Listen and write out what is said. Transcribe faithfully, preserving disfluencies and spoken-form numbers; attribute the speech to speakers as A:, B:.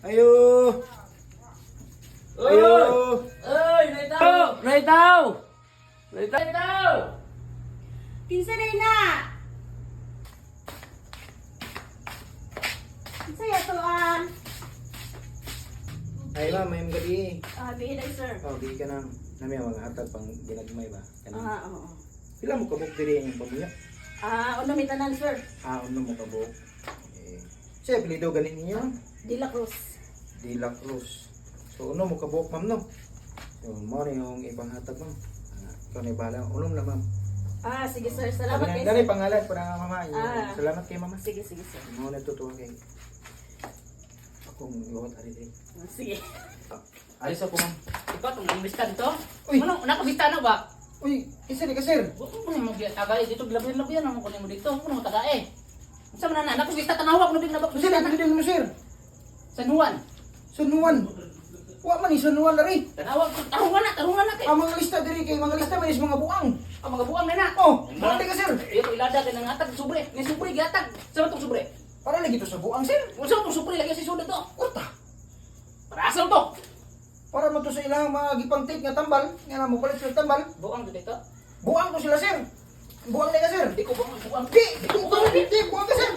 A: Ayo. Ayo.
B: Ơi, này tao, này tao. Này tao, này tao.
C: Kinsa day na? Kinsa ya to ah?
A: Ay ma'am, may gabi.
C: Ah, bihi day sir.
A: Oh, di ka na. Nami ang mga hatag pang ginagmay ba? Kanang.
C: Ah, oo.
A: Pila mo kabuk diri ang pamuya?
C: Ah, ano may tanan sir?
A: Ah, ano mo kabuk? Eh. Siya apelyido ganin ninyo.
C: De La Cruz.
A: De La Cruz. So ano mo kabuk ma'am no? So mo na yung ipanghatag ma'am. Ah, ikaw na bala. Unom na ma'am.
C: Ah, sige sir. Salamat
A: Sabi
C: kay
A: na, dali
C: sir.
A: pangalan para nga mama.
C: Ah.
A: Salamat kay mama.
C: Sige, sige sir.
A: Mo na tutuwa kay. Akong iwat ari diri.
C: Ah, sige.
A: Alis ako ma'am.
B: Ikaw itong nambista dito?
A: Uy.
B: Ano, nakabista na ba?
A: Uy, isa ni ka sir.
B: Huwag mo mo tagay dito, glabian-labian naman kunin mo dito. Huwag mo tagay. Sa mana na, nakabista tanawag mo din na
A: Sir,
B: bakbista na.
A: apelyido mo sir.
B: San Juan.
A: San Juan. Wa man ni San Juan lari.
B: Tanawag, tarungan na, tarungan na kay.
A: Ang mga lista diri kay mga lista man is mga buang.
B: Ang mga buwang na na.
A: Oh, balik ka sir.
B: Iyo ko ilada kay nang atag sobre. Ni sobre giatag. Sa tong sobre.
A: Para lagi to sa buang sir.
B: Unsa tong sobre lagi si suda to?
A: Kurta.
B: Para asal to.
A: Para mo to sa ilang mga gipangtik nga tambal, nga na mo palit sila tambal.
B: Buwang dito.
A: Buang to sila sir. Buang na ka sir.
B: Di ko buwang buwang.
A: Di, di, di, di, buang ka sir.